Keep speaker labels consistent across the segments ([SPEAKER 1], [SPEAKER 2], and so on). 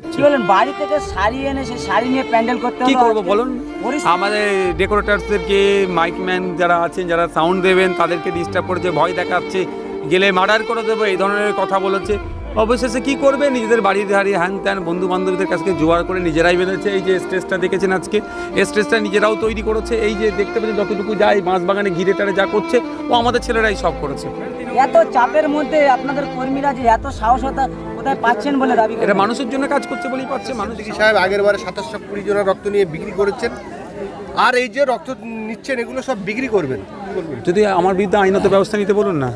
[SPEAKER 1] কি বলেন, বাড়ি থেকে শাড়ি এনে সেই শাড়ি নিয়ে প্যান্ডেল করতে
[SPEAKER 2] কি করব বলুন? আমাদের ডেকোরেটার্সদেরকে, মাইকম্যান যারা আছেন, যারা সাউন্ড দেবেন, তাদেরকে ডিস্টার্ব করেছে, ভয় দেখাচ্ছে, গেলে মার্ডার করে দেবো, এই ধরনের কথা বলেছে। অবশেষে কি করবে, নিজেদের বাড়ির ধারে হ্যান ত্যান বন্ধু বান্ধবীদের কাছে জোগাড় করে নিজেরাই বেঁধেছে। এই যে স্টেজটা দেখেছেন আজকে, এই স্টেজটা নিজেরাও তৈরি করেছে। এই যে দেখতে পাচ্ছেন যতটুকু যায় বাঁশবাগানে ঘিরে টারে যা করছে, ও আমাদের ছেলেরাই সব করেছে।
[SPEAKER 1] এত চাপের মধ্যে আপনাদের কর্মীরা যে এত সাহসতা কোথায় পাচ্ছেন বলে দাবি
[SPEAKER 2] এটা মানুষের জন্য কাজ করছে বলেই পাচ্ছে। মানুষ
[SPEAKER 3] সাহেব আগের বারে 2720 জনের রক্ত নিয়ে বিক্রি করেছেন, আর এই যে রক্ত নিচ্ছেন এগুলো সব বিক্রি করবেন।
[SPEAKER 2] যদি আমার বিরুদ্ধে আইনত ব্যবস্থা নিতে বলুন না।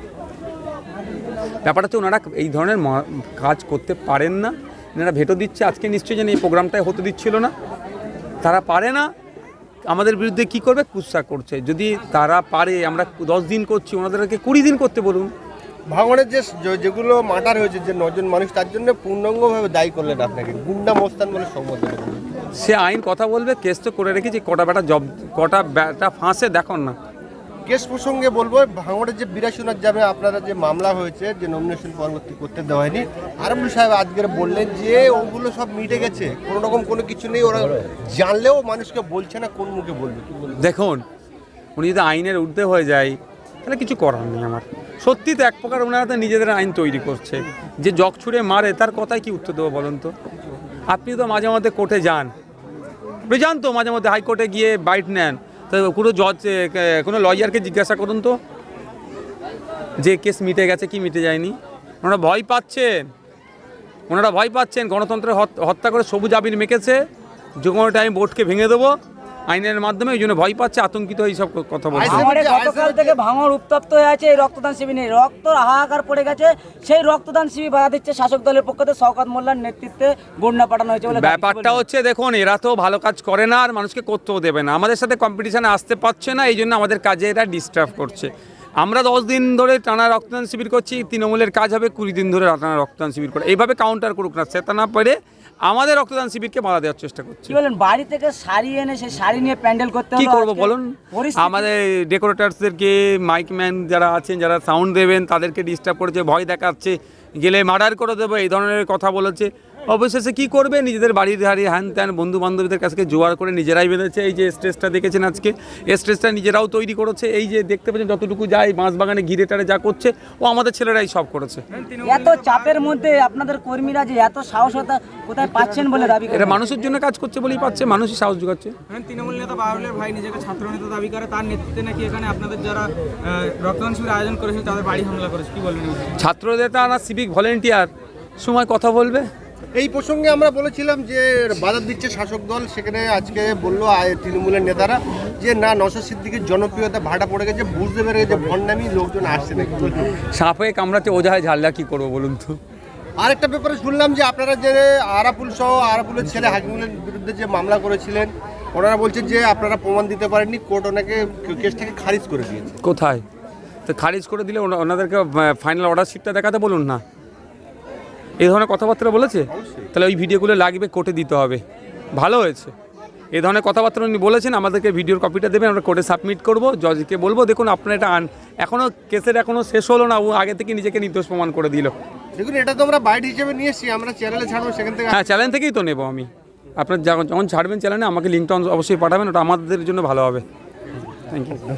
[SPEAKER 2] ব্যাপারটা হচ্ছে ওনারা এই ধরনের কাজ করতে পারেন না। এনারা ভেটো দিচ্ছে, আজকে নিশ্চয়ই যেন এই প্রোগ্রামটাই হতে দিচ্ছিল না। তারা পারে না, আমাদের বিরুদ্ধে কি করবে, কুৎসা করছে। যদি তারা পারে, আমরা 10 দিন করছি, ওনাদেরকে 20 দিন করতে বলুন।
[SPEAKER 3] ভাঙনের যেগুলো মার্ডার হয়েছে, যে 9 জন মানুষ, তার জন্য পূর্ণাঙ্গভাবে দায়ী করলেন আপনাকে, গুন্ডা মোস্তান বলে সম্বোধন।
[SPEAKER 2] সে আইন কথা বলবে, কেস তো করে রেখেছি, কটা বেটা ফাঁসে দেখুন না।
[SPEAKER 3] কেস প্রসঙ্গে বলবো, ভাঙড়ের যে 82 যাবে আপনারা যে মামলা হয়েছে, যে নমিনেশন পরবর্তী করতে দেওয়া হয়নি, আরবুল সাহেব আজকের বললেন যে ওগুলো সব মিটে গেছে, কোনো রকম কোনো কিছু নেই, ওরা জানলেও মানুষকে বলছে না, কোন মুখে বলবে?
[SPEAKER 2] দেখুন, উনি যদি আইনের ঊর্ধ্বে হয়ে যায় তাহলে কিছু করার নেই আমার। সত্যি তো এক প্রকার ওনারা তো নিজেদের আইন তৈরি করছে। যে জগ ছুঁড়ে মারে তার কথায় কি উত্তর দেবো বলুন তো? আপনি তো মাঝে মধ্যে কোর্টে যান, যান তো মাঝে মধ্যে হাইকোর্টে গিয়ে বাইট নেন, তো কোনো জজ, কোনো লয়ারকে জিজ্ঞাসা করুন তো যে কেস মিটে গেছে কি মিটে যায়নি। ওনারা ভয় পাচ্ছেন, গণতন্ত্রের হত্যা করে সবুজ আবির মেখেছে, যে কোনো টাইম বোর্ডকে ভেঙে দেবো আইনের মাধ্যমে, ওই জন্য ভয় পাচ্ছে, আতঙ্কিত এইসব কথা বলছে।
[SPEAKER 1] গতকাল থেকে ভাঙড় উত্তপ্ত হয়ে আছে এই রক্তদান শিবির নিয়ে, রক্ত হাহাকার পড়ে গেছে। সেই রক্তদান শিবির বাধা দিচ্ছে শাসক দলের পক্ষ থেকে শওকত মোল্লার নেতৃত্বে গুন্ডা পাঠানো হয়েছে বলে।
[SPEAKER 2] ব্যাপারটা হচ্ছে দেখুন, এরা তো ভালো কাজ করে না আর মানুষকে করতেও দেবে না, আমাদের সাথে কম্পিটিশানে আসতে পারছে না, এই জন্য আমাদের কাজে এরা ডিস্টার্ব করছে। আমরা 10 দিন ধরে টানা রক্তদান শিবির করছি, তৃণমূলের কাজ হবে 20 দিন ধরে টানা রক্তদান শিবির করে। এইভাবে কাউন্টার করুক না, সেটা না পারে আমাদের রক্তদান শিবিরকে বাধা দেওয়ার চেষ্টা করছে।
[SPEAKER 1] কি বলেন, বাড়ি থেকে শাড়ি এনে সেই শাড়ি নিয়ে প্যান্ডেল করতে
[SPEAKER 2] কি করব বলুন? আমাদের ডেকোরেটার্সদেরকে, মাইকম্যান যারা আছেন, যারা সাউন্ড দেবেন, তাদেরকে ডিস্টার্ব করেছে, ভয় দেখাচ্ছে, গেলে মার্ডার করে দেবো, এই ধরনের কথা বলেছে। অবশেষে কি করবে, নিজেদের বাড়ির ধারে হ্যান ত্যান বন্ধু বান্ধবীদের কাছে জোগাড় করে নিজেরাই বেঁধেছে। এই যে স্টেজটা দেখেছেন আজকে, এই স্টেজটা নিজেরাও তৈরি করেছে। এই যে দেখতে পাচ্ছেন যতটুকু যায় বাঁশবাগানে ঘিরে টারে যা করছে, ও আমাদের ছেলেরাই সব করেছে।
[SPEAKER 1] এত চাপের মধ্যে আপনাদের কর্মীরা যে এত সাহসতা কোথায় পাচ্ছেন বলে দাবি
[SPEAKER 2] এটা মানুষের জন্য কাজ করছে বলেই পাচ্ছে, মানুষই সাহস যোগাচ্ছে।
[SPEAKER 4] তৃণমূল নেতা বাবুলের ভাই নিজেকে ছাত্র নেতা দাবি করে, তার নেতৃত্বে নাকি এখানে আপনাদের যারা রক্তদান শিবির আয়োজন করেছিল তাদের বাড়ি হামলা করেছে, কি বলবেন?
[SPEAKER 2] ছাত্র নেতা না সিভিক ভলেন্টিয়ার, সময় কথা বলবে।
[SPEAKER 3] এই প্রসঙ্গে আমরা বলেছিলাম যে বাধা দিচ্ছে শাসক দল, সেখানে আজকে বললো তৃণমূলের নেতারা যে না, নওশাদ সিদ্দিকীর জনপ্রিয়তা ভাটা পড়ে গেছে, বুঝতে পেরে গেছে ভণ্ডামি লোকজন আসছে না।
[SPEAKER 2] সাপে কামড়াতে ওঝায় ঝাল্লা, কি করবো বলুন তো?
[SPEAKER 3] আরেকটা ব্যাপারে শুনলাম যে আপনারা যে আরাপুলের ছেলে হাকিমুলের বিরুদ্ধে যে মামলা করেছিলেন, ওনারা বলছেন যে আপনারা প্রমাণ দিতে পারেননি, কোর্ট ওনাকে কেসটাকে খারিজ করে দিয়েছে।
[SPEAKER 2] কোথায়? তো খারিজ করে দিলে ওনাদেরকে ফাইনাল অর্ডার শিটটা দেখাতে বলুন না। এই ধরনের কথাবার্তা বলেছে, তাহলে ওই ভিডিওগুলো লাগবে, কোর্টে দিতে হবে। ভালো হয়েছে, এই ধরনের কথাবার্তা উনি বলেছেন, আমাদেরকে ভিডিওর কপিটা দেবেন, আমরা কোর্টে সাবমিট করবো, জজকে বলবো দেখুন আপনারা এটা এখনও কেসের এখনও শেষ হলো না, ও আগে থেকে নিজেকে নির্দোষ প্রমাণ করে দিল।
[SPEAKER 3] দেখুন, এটা তো আমরা বাইট হিসেবে নিয়ে এসেছি, আমরা চ্যানেলে ছাড়বো, সেখান থেকে।
[SPEAKER 2] হ্যাঁ, চ্যানেল থেকেই তো নেবো আমি। আপনার যখন ছাড়বেন চ্যানেলে আমাকে লিঙ্কটা অবশ্যই পাঠাবেন, ওটা আমাদের জন্য ভালো হবে। Thank you.